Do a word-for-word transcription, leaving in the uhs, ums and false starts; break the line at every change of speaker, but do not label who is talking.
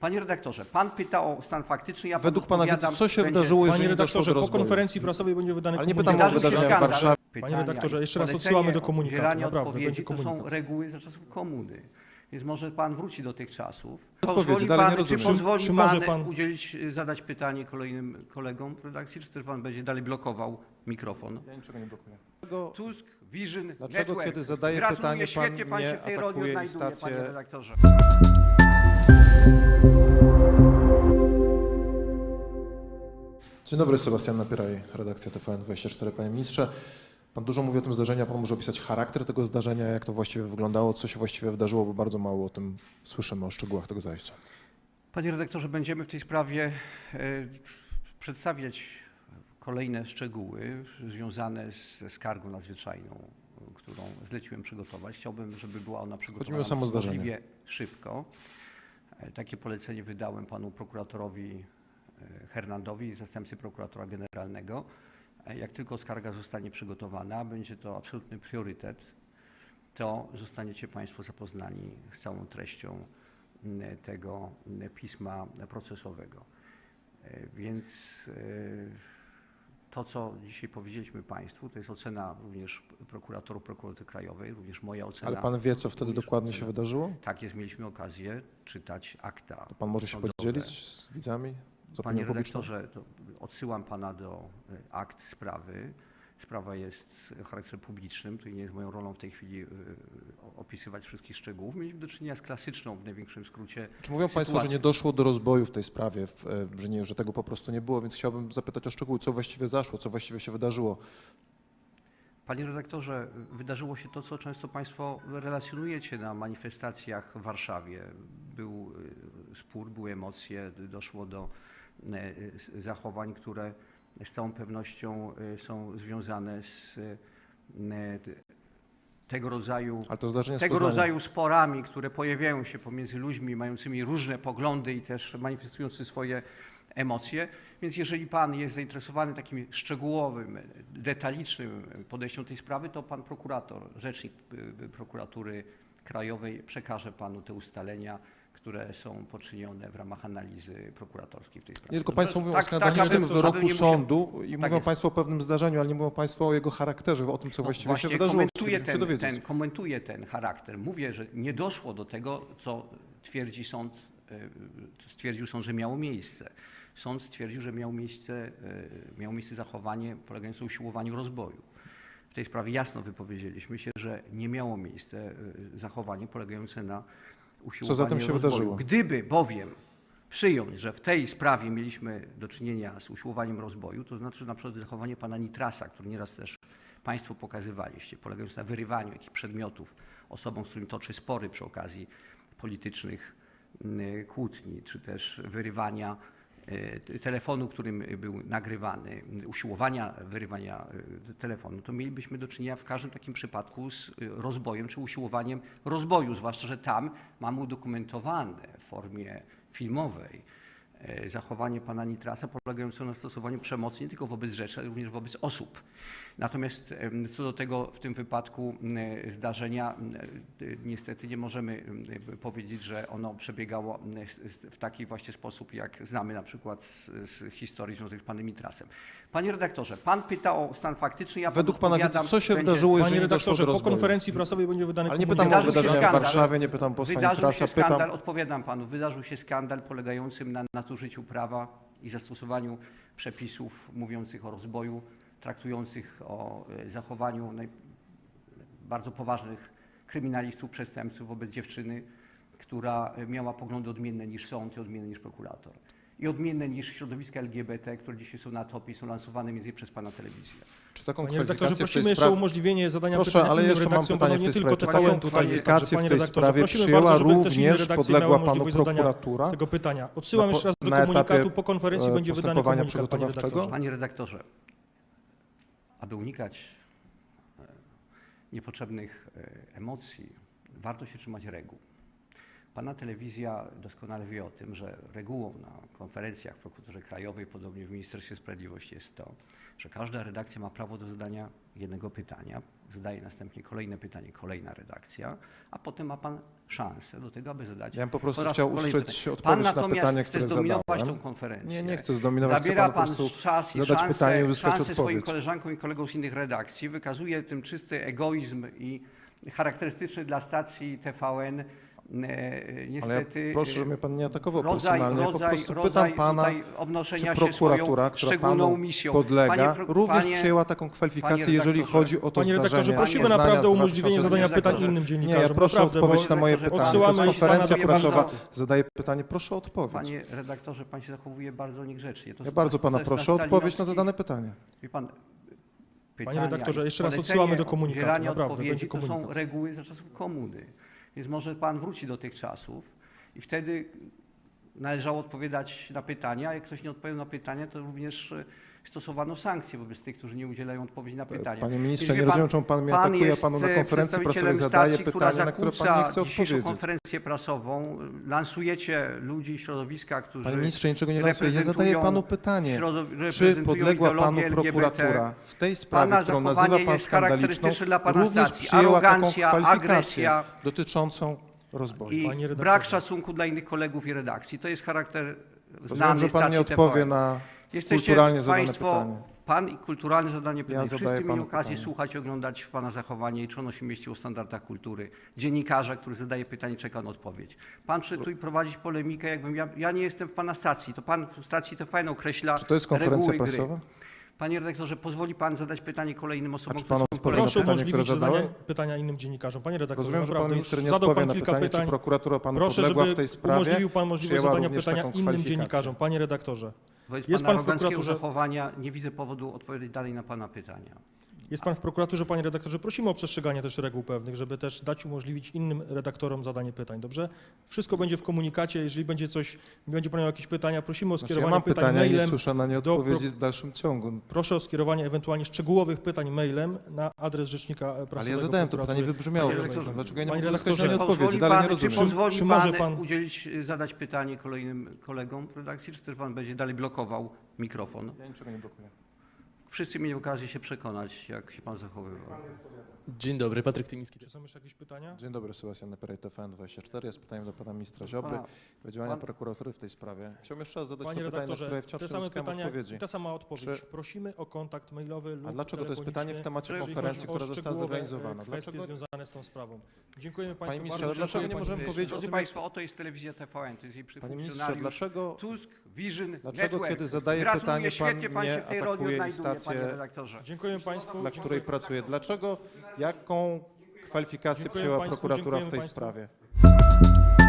Panie redaktorze, pan pyta o stan faktyczny, ja
Według pana wiedzy, co się
będzie...
wydarzyło, jeżeli
Panie
nie doszło do
redaktorze, po
rozboju?
konferencji prasowej będzie wydany
Ale nie
komunikat.
pytam o
Wydarzył się
wydarzenia w
skandal.
Warszawie.
Panie redaktorze, jeszcze raz
Polecenie
odsyłamy do
o
komunikatu,
udzielaniu
naprawdę,
odpowiedzi,
będzie
to są
komunikat.
reguły za czasów komuny. Więc może pan wróci do tych czasów.
Odpowiedzi,
Pozwoli
dalej
pan,
nie rozumiem.
Czy pozwoli
Czy
pan,
może pan-
udzielić, zadać pytanie kolejnym kolegom w redakcji, czy też pan będzie dalej blokował mikrofon?
Ja niczego nie blokuję.
Tusk, Vision,
Dlaczego,
Network.
kiedy zadaję
Gratuluję,
pytanie, pan
świetnie pan
mnie
się w tej roli
atakuje i
odnajduje,
stację-
panie redaktorze.
Dzień dobry, Sebastian Napieraj, redakcja T V N dwadzieścia cztery. Panie ministrze, pan dużo mówi o tym zdarzeniu, a pan może opisać charakter tego zdarzenia, jak to właściwie wyglądało, co się właściwie wydarzyło, bo bardzo mało o tym słyszymy, o szczegółach tego zajścia.
Panie redaktorze, będziemy w tej sprawie e, przedstawiać kolejne szczegóły związane z- ze skargą nadzwyczajną, którą zleciłem przygotować. Chciałbym, żeby była ona
Chodzi mi o
przygotowana
samo zdarzenie.
możliwie szybko. E, Takie polecenie wydałem panu prokuratorowi e, Hernandowi, zastępcy prokuratora generalnego. E, Jak tylko skarga zostanie przygotowana, będzie to absolutny priorytet, to zostaniecie państwo zapoznani z całą treścią m, tego m, pisma procesowego. E, Więc e, to, co dzisiaj powiedzieliśmy państwu, to jest ocena również prokuratorów Prokuratury Krajowej, również moja ocena.
Ale pan wie, co wtedy
również
dokładnie się
ocena.
wydarzyło?
Tak jest, mieliśmy okazję czytać akta.
Pan może się
sądowe.
podzielić z widzami, z
Panie
opinią publiczną?
redaktorze, to odsyłam pana do y, akt sprawy. Sprawa jest charakterem publicznym, to nie jest moją rolą w tej chwili y, o- opisywać wszystkich szczegółów. Mieliśmy do czynienia z klasyczną, w największym skrócie.
Czy mówią państwo, że
sytuacją.
nie doszło do rozboju w tej sprawie, w, e, że, nie, że tego po prostu nie było, więc chciałbym zapytać o szczegóły, co właściwie zaszło, co właściwie się wydarzyło.
Panie redaktorze, wydarzyło się to, co często państwo relacjonujecie na manifestacjach w Warszawie. Był y, spór, były emocje, doszło do y, y, zachowań, które z całą pewnością y, są związane z y, tego rodzaju
Ale to zdarzenie z
tego
Poznania.
rodzaju sporami, które pojawiają się pomiędzy ludźmi mającymi różne poglądy i też manifestujący swoje emocje. Więc jeżeli pan jest zainteresowany takim szczegółowym, detalicznym podejściem do tej sprawy, to pan prokurator, rzecznik y, prokuratury krajowej przekaże panu te ustalenia, które są poczynione w ramach analizy prokuratorskiej w tej sprawie.
Nie, tylko
Dobrze?
państwo mówią
Tak,
o skandalicznym
tak, aby- aby
wyroku
nie musiał-
sądu i
Tak
mówią
jest.
państwo o pewnym zdarzeniu, ale nie mówią państwo o jego charakterze, o tym, co
No
właściwie
właśnie
się wydarzyło.
komentuję
Chcielibyśmy się
ten,
dowiedzieć.
ten, komentuję ten charakter. Mówię, że nie doszło do tego, co twierdzi sąd, y, stwierdził sąd, że miało miejsce. Sąd stwierdził, że miało miejsce, y, miało miejsce zachowanie polegające na usiłowaniu rozboju. W tej sprawie jasno wypowiedzieliśmy się, że nie miało miejsca y, zachowanie polegające na usiłowaniu
zatem się
rozboju.
wydarzyło?
Gdyby bowiem przyjąć, że w tej sprawie mieliśmy do czynienia z usiłowaniem rozboju, to znaczy na przykład zachowanie pana Nitrasa, który nieraz też państwo pokazywaliście, polegające na wyrywaniu jakichś przedmiotów osobom, z którymi toczy spory przy okazji politycznych y, kłótni, czy też wyrywania y, telefonu, którym był nagrywany, y, usiłowania wyrywania y, telefonu, to mielibyśmy do czynienia w każdym takim przypadku z y, rozbojem czy usiłowaniem rozboju, zwłaszcza że tam mamy udokumentowane w formie filmowej e, zachowanie pana Nitrasa polegające na stosowaniu przemocy nie tylko wobec rzeczy, ale również wobec osób. Natomiast em, co do tego w tym wypadku m, zdarzenia, m, y, niestety nie możemy m, powiedzieć, że ono przebiegało m, s- s- w taki właśnie sposób, jak znamy na przykład z, z historii związanych z panem Nitrasem. Panie redaktorze, pan pyta o stan faktyczny, ja panu
Według pana wiedzy,
odpowiadam,
co się
będzie-
wydarzyło, jeżeli
Panie
nie doszło
redaktorze,
do
po
rozboju?
konferencji prasowej będzie wydany
Ale nie
komunikat.
pytam o
Wydarzył się
wydarzenia w
skandal.
Warszawie, nie pytam posła
Wydarzył
Nitrasa,
się skandal,
pytam...
odpowiadam panu, wydarzył się skandal polegającym na nadużyciu prawa i zastosowaniu przepisów mówiących o rozboju, traktujących o e, zachowaniu naj... bardzo poważnych kryminalistów, przestępców wobec dziewczyny, która miała poglądy odmienne niż sąd i odmienne niż prokurator. I odmienne niż środowiska L G B T, które dzisiaj są na topie i są lansowane między innymi przez pana telewizję.
Czy taką
Panie redaktorze,
kwalifikację w tej
prosimy jeszcze o
sprawie...
umożlienie zadania
Proszę,
pytania
ale
innym
jeszcze mam
redakcjom,
pytanie
bo
w
nie
tej
tylko
sprawie. Czy
T V N
taką
tutaj jest,
kwalifikację
także,
w tej
panie redaktorze,
sprawie
prosimy
przyjęła
bardzo, żeby też inne
również
redakcje
podległa
miały
panu
możliwość zadania
prokuratura?
tego pytania. Odsyłam
Na po-
jeszcze raz do
na etapie,
komunikatu, po konferencji
e,
będzie wydany
postępowania
komunikat, panie
przygotowawczego?
redaktorze.
Panie redaktorze, aby unikać e, niepotrzebnych e, emocji, warto się trzymać reguł. Pana telewizja doskonale wie o tym, że regułą na konferencjach w Prokuraturze Krajowej, podobnie w Ministerstwie Sprawiedliwości jest to, że każda redakcja ma prawo do zadania jednego pytania, zadaje następnie kolejne pytanie, kolejna redakcja, a potem ma Pan szansę do tego, aby zadać
Ja bym po prostu
po raz
chciał
kolejny
usłyszeć
pytanie.
odpowiedź
Pan
na
natomiast
pytanie,
chce
które
zdominować
zadałem.
tą konferencję.
Nie, nie chcę zdominować, chcę
Zabiera
panu po
pan
prostu
czas i
zadać
szansę,
pytanie i uzyskać
szansę swoim
odpowiedź.
koleżankom i kolegom z innych redakcji, wykazuje tym czysty egoizm i charakterystyczny dla stacji T V N e,
Ale ja
niestety
proszę, żeby mnie pan nie atakował
rodzaj,
personalnie. Ja po
rodzaj,
prostu
rodzaj
pytam pana,
tutaj
czy
obnoszenia się swoją
prokuratura, która
szczególną
panu
misją.
podlega,
Panie pro-
również
panie-
przyjęła taką kwalifikację,
panie
jeżeli
redaktorze,
chodzi o to
Panie redaktorze,
zdarzenie.
prosimy
Poznania
naprawdę o
z
umożliwienie zadania
dwa tysiące
pytań
redaktorze.
innym
Nie,
dziennikarzom.
ja proszę o
naprawdę, bo
odpowiedź na moje
redaktorze,
pytanie. To jest
odsyłamy
konferencja
pana
prasowa.
bardzo-
Zadaję pytanie, proszę o odpowiedź.
Panie redaktorze, pan się zachowuje bardzo niegrzecznie. To
Ja
są
bardzo pana
ze-
proszę o
ze
odpowiedź na
stalinowskich-
zadane pytanie.
Wie pan,
Panie
pytania
redaktorze,
i
jeszcze raz
polecenie
odsyłamy do komunikatu,
udzielania
naprawdę,
odpowiedzi
będzie
to są
komunikat.
reguły za czasów komuny. Więc może pan wróci do tych czasów i wtedy należało odpowiadać na pytania, a jak ktoś nie odpowiedział na pytania, to również e, stosowano sankcje wobec tych, którzy nie udzielają odpowiedzi na pytania.
Panie ministrze,
Więc
nie
wie
rozumiem, czemu pan mnie atakuje,
jest,
a panu na
e,
konferencji prasowej
przedstawicielem
zadaje
stacji, która
pytania, na które pan nie
zakłóca
chce
dzisiejszą
odpowiedzieć.
konferencję prasową. Lansujecie ludzi, środowiska, którzy
Panie ministrze, niczego nie lansuję. Ja zadaję
reprezentują
panu pytanie.
środow-
Czy
reprezentują
podległa panu
ideologię L G B T?
prokuratura w tej sprawie,
Pana
którą
zachowanie
nazywa pan
jest
skandaliczną,
charakterystyczne dla pana
również
stacji.
przyjęła taką
Arogancja,
kwalifikację
agresja
dotyczącą rozboju?
i
Panie redaktorze.
brak szacunku dla innych kolegów i redakcji. To jest charakter
Rozumiem,
znany
że pan
stacji
nie
T V N.
odpowie na
Jesteście
kulturalnie zadane
państwo,
pytanie.
Pan i kulturalnie zadanie pytanie.
zadaję
Wszyscy mieli
panu
okazję
pytanie.
słuchać, oglądać w pana zachowanie i czy ono się mieści w standardach kultury. Dziennikarza, który zadaje pytanie, czeka na odpowiedź. Pan chce tu prowadzić polemikę, jakbym ja, ja nie jestem w pana stacji. To pan w stacji T V N określa
Czy to jest konferencja
reguły
prasowa?
gry. Panie redaktorze, pozwoli pan zadać pytanie kolejnym osobom,
A czy
które
pan
są
odpowie na
Proszę
pytanie,
umożliwić
które
zadanie
zadałem?
pytania innym dziennikarzom. Panie redaktorze,
Rozumiem, że pan
naprawdę,
minister
już
nie
zadał
odpowie
pan
na
kilka
pytanie,
pytań.
czy prokuratura panu
Proszę,
podległa
żeby
w tej sprawie,
umożliwił pan możliwość
przyjęła
zadania
również
pytania
taką
innym
kwalifikację.
dziennikarzom. Panie redaktorze,
Wobec
Jest
pana
pan w
aroganckiego
prokuraturze-
zachowania nie widzę powodu odpowiedzieć dalej na pana pytania.
jest pan w prokuraturze, panie redaktorze, prosimy o przestrzeganie też reguł pewnych, żeby też dać umożliwić innym redaktorom zadanie pytań, dobrze? Wszystko będzie w komunikacie, jeżeli będzie coś, będzie pan miał jakieś pytania, prosimy o
Znaczy, ja
skierowanie
mam
pytań
pytania i nie
mailem.
słyszę na nie
do
odpowiedzi
pro-
w dalszym ciągu.
Proszę o skierowanie ewentualnie szczegółowych pytań mailem na adres rzecznika prasowego.
Ale ja zadałem to
prokuratury.
pytanie, wybrzmiało.
Panie
przed chwilą.
redaktorze,
Dlaczego ja nie
panie
mogę uzyskać na nie
redaktorze,
odpowiedzi?
Pozwoli
Dalej nie
pan, czy
rozumiem.
pozwoli
Czy może
pan,
pan-
udzielić, y, zadać pytanie kolejnym kolegom w redakcji, czy też pan będzie dalej blokował mikrofon?
Ja niczego nie blokuję.
Wszyscy mieli okazję się przekonać, jak się pan zachowywał.
Dzień dobry, Patryk Tymiński.
Czy są jeszcze jakieś pytania?
Dzień dobry, Sebastian Neperej, T V N dwadzieścia cztery. Jest pytanie do pana ministra Ziobry
Pana-
o działania
pan-
prokuratury w tej sprawie. Chciałbym jeszcze raz zadać
Panie
to pytanie, na
redaktorze,
które wciąż
te
nie
same
uzyskałem
pytania
odpowiedzi.
i ta sama odpowiedź.
Czy-
Prosimy o kontakt mailowy lub
A dlaczego to jest pytanie w temacie
jeżeli
konferencji,
chodzi o
która została
szczegółowe,
zorganizowana?
e, kwestie
Dlaczego-
związane z tą sprawą. Dziękujemy państwu
ministrze,
bardzo.
ale dlaczego
dziękuję,
nie możemy
panie
powiedzieć o
Drodzy
tym,
państwo, oto jest telewizja T V N, to jest jej
Panie ministrze,
funkcjonariusz
dlaczego,
Tusk Vision
dlaczego
Network.
kiedy zadaję
Gratuluję,
pytanie, pan
świetnie pan się
mnie
w tej roli
atakuje i
odnajduje,
stację,
panie redaktorze.
Dziękuję państwu.
dla której pracuję? Dlaczego, jaką kwalifikację
Dziękuję
przyjęła
państwu,
prokuratura w
dziękujemy
tej
państwu.
sprawie?